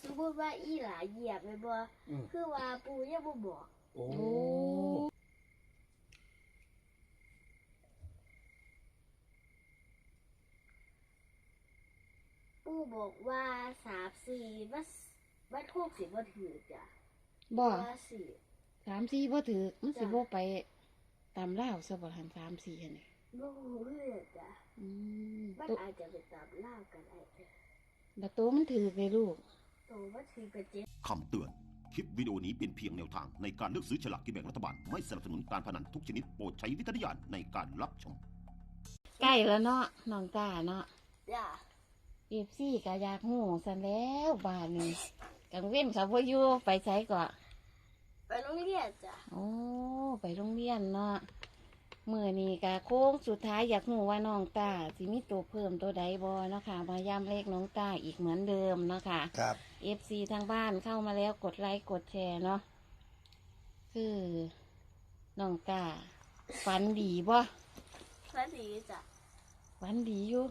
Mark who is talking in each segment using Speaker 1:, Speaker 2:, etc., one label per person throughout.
Speaker 1: สมมติว่าอีหลาเหยียบเลยบ่คือว่าปูยังบ่บอก
Speaker 2: โอ้
Speaker 1: ปูบอกว่า3-4มันถูกสิบ่ถือจ้ะ
Speaker 3: บ่
Speaker 1: ว่าสิ
Speaker 3: 3-4บ่ถือมันสิบ่ไปตามลาวซะบ่หัน3-4หั่นนี่
Speaker 1: บ่รู้เลยจ้ะมันอาจจะไปตามล่ากันได้
Speaker 3: แล้วโตมันถือเลยลูก
Speaker 1: โตมันถือกับเจ็บ
Speaker 4: คำเตือนคลิปวิดีโอนี้เป็นเพียงแนวทางในการเลือกซื้อฉลากกินแบ่งรัฐบาลไม่สนับสนุนการพนันทุกชนิดโปรดใช้วิจารณญาณในการรับชม
Speaker 3: ใกล้แล้วเนาะน้องตาเนาะ
Speaker 1: จ้ะ
Speaker 3: FCก็อยากฮู้ซั่นแล้วบ้านนี้กลางเว้นเขาบ่อยู่ไปไสก็
Speaker 1: ไปโรงเรียนจ้ะ
Speaker 3: โอ้ไปโรงเรียนเนาะมื้อนี้ก็โค้งสุดท้ายอยากรู้ว่าน้องตาสิมีตัวเพิ่มตัวใดบ่เนาะค่ะมาย้ำเลขน้องตาอีกเหมือนเดิมเนาะค่ะ
Speaker 2: ครับ
Speaker 3: FC ทางบ้านเข้ามาแล้วกดไลค์กดแชร์เนาะคือน้องตาฝันดีบ่
Speaker 1: ฝันดีจ้ะ
Speaker 3: ฝันดีอยู่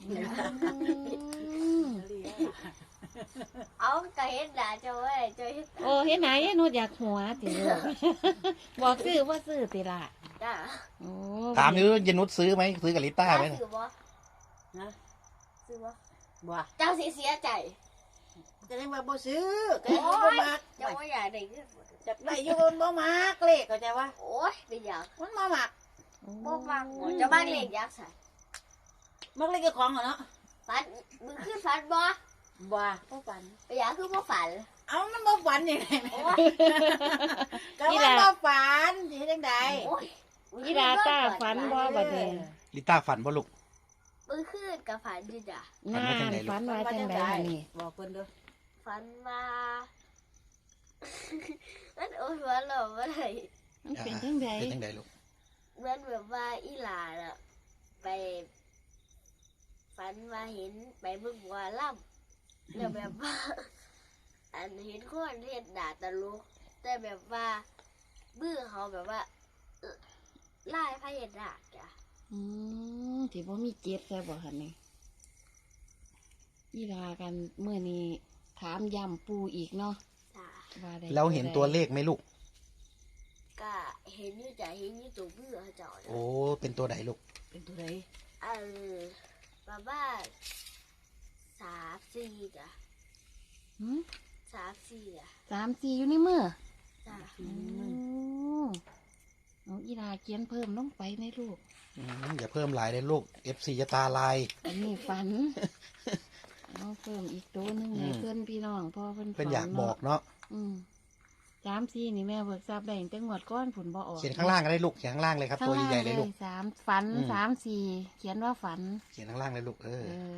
Speaker 1: เอาก็เห็นด่าเจ้าไว้เจ้าเฮ็ด
Speaker 3: โอ้เฮ็ดไหนหนูอยากหัวติลูกบอกซื้อว่าซื้อติล่ะ
Speaker 1: จ้ะ
Speaker 3: โอ้
Speaker 2: ถามอยู่ยนุชซื้อไหมซื้อกับลิต้าไหม
Speaker 1: ซื้อบ่
Speaker 5: นะ
Speaker 1: ซื้อบ่
Speaker 5: บ่
Speaker 1: เจ้าสิเสียใจ
Speaker 5: จะได้มาบ่ซื้อก็ยังบ่มัก
Speaker 1: เจ้าบ่อยากได้เงิน
Speaker 5: จักได้อยู่บ่มักเลขเข้าใจว่า
Speaker 1: โอ้ยเป็นหยัง
Speaker 5: มันบ่มัก
Speaker 1: บ่ฟังเจ้าบ้านเลขยักษ์ใส่
Speaker 5: มักเลขเจ้าของเหรอเนาะ
Speaker 1: ฝันมึงขึ้นฝันบ่
Speaker 5: บ่ฝัน
Speaker 1: ไปหยังคือบ่ฝัน
Speaker 5: เอ้ามันบ่ฝันยังไงก็มันบ่ฝันสิเฮ็ดจังได๋
Speaker 1: โอ้ย
Speaker 3: อีดาตาฝันบ่บัดนี้
Speaker 2: ลิต้าฝันบ่ลูก
Speaker 1: มึงขึ้นกับฝันอยู่จ้ะ
Speaker 3: นานฝันว่าจังได๋นี่
Speaker 5: บอกเพิ่นเด้อ
Speaker 1: ฝันว่ามันโอ้ยว่าเราบ่ได้
Speaker 3: มันเป็นจังได๋
Speaker 2: เป็นจังได๋ลูก
Speaker 1: เหมือนแบบว่าอีหลาน่ะไปฝันว่าเห็นไปเบิ่งว่าล่ำแล้วแบบว่าอันเห็นคนเฮ็ดด่าตลกแต่แบบว่าบื้อเขาแบบว่าไล่พระเฮ็ดด่าจ้ะ
Speaker 3: ที่บ่มีเจ็บใช่บ่หั่นนี่อีลากันเมื่อนี้ถามย้ำปูอีกเนาะ
Speaker 1: จ้ะ
Speaker 3: ว่าได้
Speaker 2: แล้วเห็นตัวเลขไหมลูก
Speaker 1: ก็เห็นอยู่จ้ะเห็นอยู่ตัวบื้อเขาเจ้า
Speaker 2: โอ้เป็นตัวไหนลูก
Speaker 5: เป็นตัวใด
Speaker 1: แบบว่า3-4จ้ะ3-4อ่ะ
Speaker 3: 3-4อยู่ในมือ
Speaker 1: จ้ะ
Speaker 3: เอาอีลาเขียนเพิ่มลงไปในลูก
Speaker 2: อย่าเพิ่มหลายเลยลูก FC จะตาลาย
Speaker 3: อันนี้ฝันเอาเพิ่มอีกตัวนึงให้เพื่อนพี่น้องพ่อเพิ่น
Speaker 2: อยากบอกเนาะ
Speaker 3: 3-4นี่แม่เบิกทราบได้ตั้งงวดก้อนผลบ่ออก
Speaker 2: เขียนข้างล่างก็ได้ลูกเขียนข้างล่างเลยครับตัวใหญ่ๆเลยลูก
Speaker 3: ฝัน3-4เขียนว่าฝัน
Speaker 2: เขียนข้างล่างเลยลูก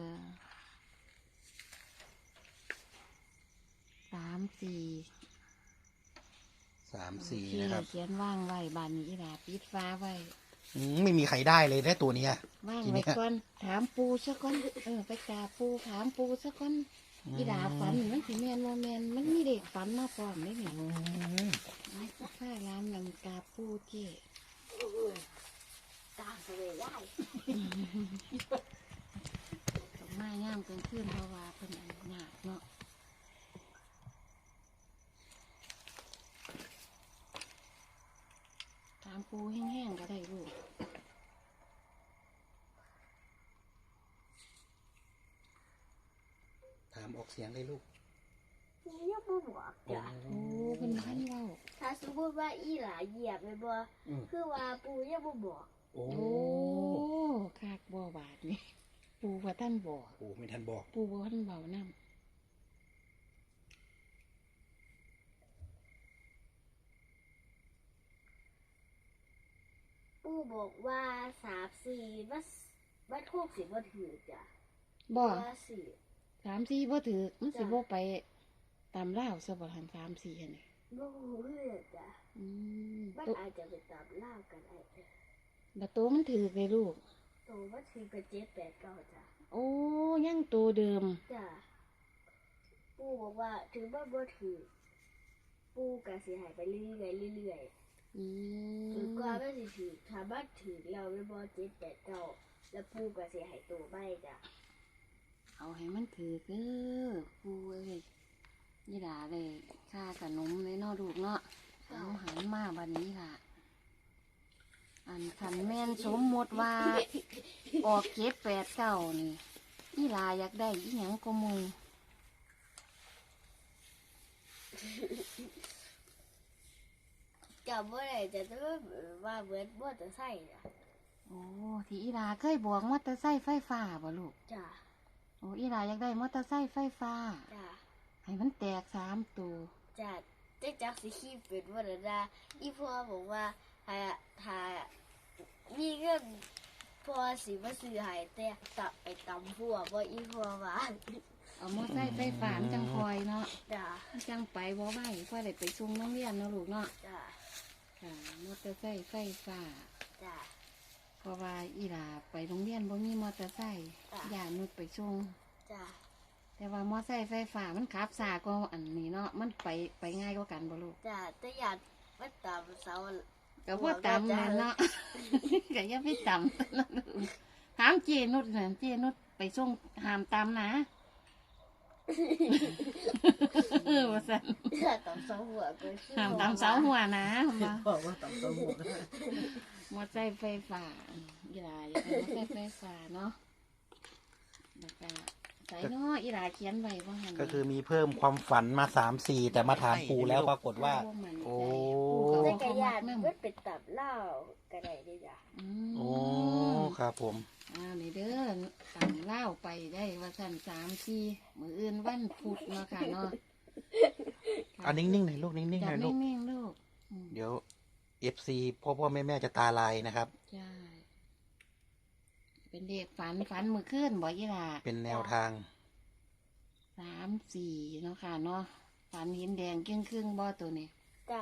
Speaker 2: 3-4นะครับ
Speaker 3: เขียนว่างไว้บานนี้ล่ะปิดฟ้าไว้
Speaker 2: ไม่มีใครได้เลยได้ตัวนี้
Speaker 3: ว่างไว้ก่อนถามปูซะก่อนไปกราบปูถามปูซะก่อนอีดาฝันมันสิแม่นบ่แม่นมันมีเด็กฝันมาพร้อมได้นี่ข้าร้านนำกราบปูเจ้
Speaker 1: ตามไปเลยได้
Speaker 3: มาย่ามกลางคืนเพราะว่าเพิ่นหนักเนาะถามปูแห้งๆก็ได้ลูก
Speaker 2: ถามออกเสียงเลยลูก
Speaker 1: ยังบ่บอกจ้ะ
Speaker 3: เป็นพันเว้า
Speaker 1: ถ้าสมมติว่าอีหลาเหยียบเลยบ่คือว่าปูยังบ่บอก
Speaker 2: โอ้
Speaker 3: คักบ่บาดนี่ปูว่าท่านบอก
Speaker 2: ปูไม่ทันบอก
Speaker 3: ปูว่าท่านเบาน้ำ
Speaker 1: ปูบอกว่า3-4มันถูกสิบ่ถือจ้ะ
Speaker 3: บ่
Speaker 1: ว่า
Speaker 3: 3-4บ่ถือมันสิบ่ไปตามลาวซะบ่หัน3-4หั่นนี่
Speaker 1: บ่รู้เลยจ้ะมันอาจจะไปตามล่ากันได้
Speaker 3: แล้วโตมันถือเลยลูก
Speaker 1: โตมันถือกับ7-8-9จ้ะ
Speaker 3: โอ้ยังตัวเดิม
Speaker 1: จ้ะปูบอกว่าถือว่าบ่ถือปูก็สิให้ไปเรื่อยถือก็ไม่สิถือถ้าบ้านถือเราไม่บ่7-8-9แล้วปูก็สิให้ตัวใบจ้ะ
Speaker 3: เอาให้มันถือปูเอ้ยยี่หลาเลยค่าขนมเลยเนาะลูกเนาะเอาหันมาบันนี้ล่ะ อันขันแม่นสมมติว่า ออก789นี่ยี่หลาอยากได้อีหยังก็มู
Speaker 1: จำว่าอะไรจะต้องว่าเหมือนมอเตอร์ไซค์จ้ะ
Speaker 3: โอ้ที่อีหลาเคยบอกมอเตอร์ไซค์ไฟฟ้าบ่ลูก
Speaker 1: จ้ะ
Speaker 3: โอ้อีหลาอยากได้มอเตอร์ไซค์ไฟฟ้า
Speaker 1: จ้ะ
Speaker 3: ให้มันแตก3 ตัว
Speaker 1: จ้ะได้จักสิขี้เป็นว่าเดนะอีพ่อบอกว่าถ้ามีเงินพ่อสิมาซื้อให้แต่ตับไปตำพัวบ่อีพ่อว่า
Speaker 3: เอามอเตอร์ไซค์ไฟฟ้ามันจังคอยเนาะ
Speaker 1: จ้ะ
Speaker 3: มันจังไปบ่ไหวพ่อได้ไปส่งโรงเรียนเนาะลูกเนาะ
Speaker 1: จ้ะ
Speaker 3: ค่ะมอเตอร์ไซค์ไฟฟ้า
Speaker 1: จ้ะ
Speaker 3: เพราะว่าอีหลาไปโรงเรียนบ่มีมอเตอร์ไซค์
Speaker 1: จ้ะ
Speaker 3: ย่านุดไปส่ง
Speaker 1: จ้ะ
Speaker 3: แต่ว่ามอไซค์ไฟฟ้ามันขับสาก็อันนี้เนาะมันไปง่ายกว่ากันบ่ลูก
Speaker 1: จ้ะแต่อยากมาตำเสา
Speaker 3: ก็บ่ต่ำนั่นเนาะ ก็อย่าไปต่ำ นะลูกถามเจนุดน่ะเจนุดไปส่งห้ามต่ำนะ ว่าซั่น
Speaker 1: ตำเสาหัวก็คือ
Speaker 3: ห้ามต่ำเสาหัวนะว่า
Speaker 5: บอกว่าต้องตัวหมด
Speaker 3: มอไซค์ไฟฟ้าอีหลาอยากได้มอไซค์ไฟฟ้าเนาะแล้วก็ใส่เนาะอีหลาเขียนไว้ว่าหั่น
Speaker 2: ก็คือมีเพิ่มความฝันมา3-4แต่มาถามปู่แล้วปรากฏว่า
Speaker 3: บ่มั่นใจ
Speaker 2: โอ้
Speaker 3: ปู่
Speaker 1: แต่
Speaker 3: ก็
Speaker 1: กระ
Speaker 3: บ่
Speaker 1: ยา
Speaker 3: มั
Speaker 1: น
Speaker 3: กนำ
Speaker 1: มันเป็นตับเหล้าก็ได้เด้วยจ้ะ
Speaker 2: โอ้ครับผม
Speaker 3: นี่เด้อต่ำเล่าวไปได้ว่าสั่น3-4มื้ออื่นวันพุธเนาะค่ะเนาะ
Speaker 2: อันนิ่งๆหน่อยลูกนิ่งๆห
Speaker 3: จั
Speaker 2: น่
Speaker 3: บ
Speaker 2: อยลูก
Speaker 3: นิ่งๆลูกอืม
Speaker 2: เดี๋ยว FC พ่อแม่จะตาลายนะครับ
Speaker 3: ใช่ เป็นเด็กฝันมือขึ้นบ่ยี่ล่ะ
Speaker 2: เป็นแนวทาง
Speaker 3: 3-4เนาะค่ะเนาะฝันเห็นแดงครึ่งบ่ตัวนี้
Speaker 1: จ้ะ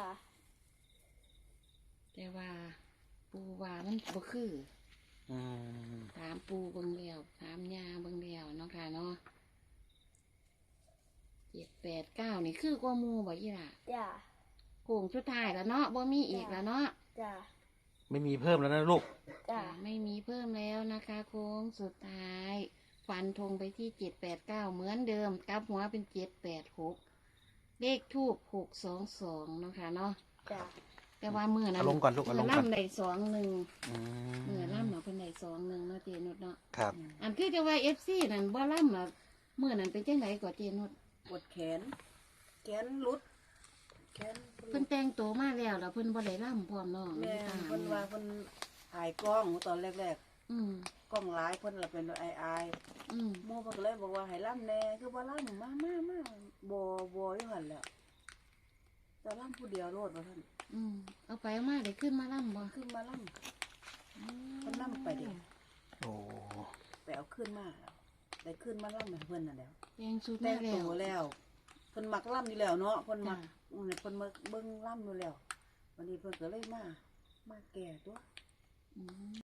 Speaker 3: แต่ว่า ปูว่ามันบ่คือ
Speaker 2: อืม
Speaker 3: ถามปูเบิ่งแล้วถามยาเบิ่งแล้วเนาะค่ะเนาะ789นี่คือกว่าหมู่บ่ยี่ล่ะ
Speaker 1: จ้ะ
Speaker 3: โค้งสุดท้ายแล้วเนาะบ่มีอีกแล้วเนาะ
Speaker 1: จ้ะ
Speaker 2: ไม่มีเพิ่มแล้วนะลูก
Speaker 1: จ้ะ
Speaker 3: ไม่มีเพิ่มแล้วนะคะโค้งสุดท้าย ฟันธงไปที่789เหมือนเดิมกลับหัวเป็น786เลขทูบ622เนาะค่ะเนาะ
Speaker 1: จ้ะ
Speaker 3: แต่ว่ามือนั้น
Speaker 2: เอาลงก่อนลูกเอาลงก่อน
Speaker 3: ล่ำได้21
Speaker 2: อื
Speaker 3: มือ
Speaker 2: ม
Speaker 3: ล่ำเนาะเพิ่นได้21เนาะเจนุดเนาะ
Speaker 2: ครับ
Speaker 3: อันคือจะว่า FC นั่นบ่ล่ำอ่ะมือนั้นเป็นจังไดก็เจนุด
Speaker 5: ปวดแขนรุดแขน
Speaker 3: เพิ่นแต่งตัวมาแล้วแล้วเพิ่นบ่ได้ล่ำพร้อมเนาะ
Speaker 5: แม่
Speaker 3: ตา
Speaker 5: เพิ่นว่าเพิ่นถ่ายกล้องตอนแรก
Speaker 3: อืม
Speaker 5: ๆกล้องหลายเพิ่นละเป็นอาย
Speaker 3: อืม
Speaker 5: ๆหมู่เพิ่นก็เลยบอกว่าให้ล่ำแน่คือบ่ล่ำมาบ่อยู่หั่นแหละแต่ล่ำผู้เดียวโลดว่าท่าน
Speaker 3: อืมเอาไปเอามาได้ขึ้นมาล่ำบ่
Speaker 5: ขึ้นมาล่ำ เพิ่นล่ำไปเด้
Speaker 2: โอ้
Speaker 5: ไปเอาขึ้นมาได้ขึ้นมาล่ำให้เพิ่นน่ะแหล้ว
Speaker 3: แต่งชุด
Speaker 5: แต่
Speaker 3: มาง แล้ว
Speaker 5: ตัวแล้วเพิ่นมักล่ำอยู่แล้วเนาะเพิ่นมัก
Speaker 3: จ้ะ
Speaker 5: เพิ่นมาเบิ่งล่ำอยู่แล้ววันนี้เพิ่นก็เลยมาแก่ตัว
Speaker 3: อืม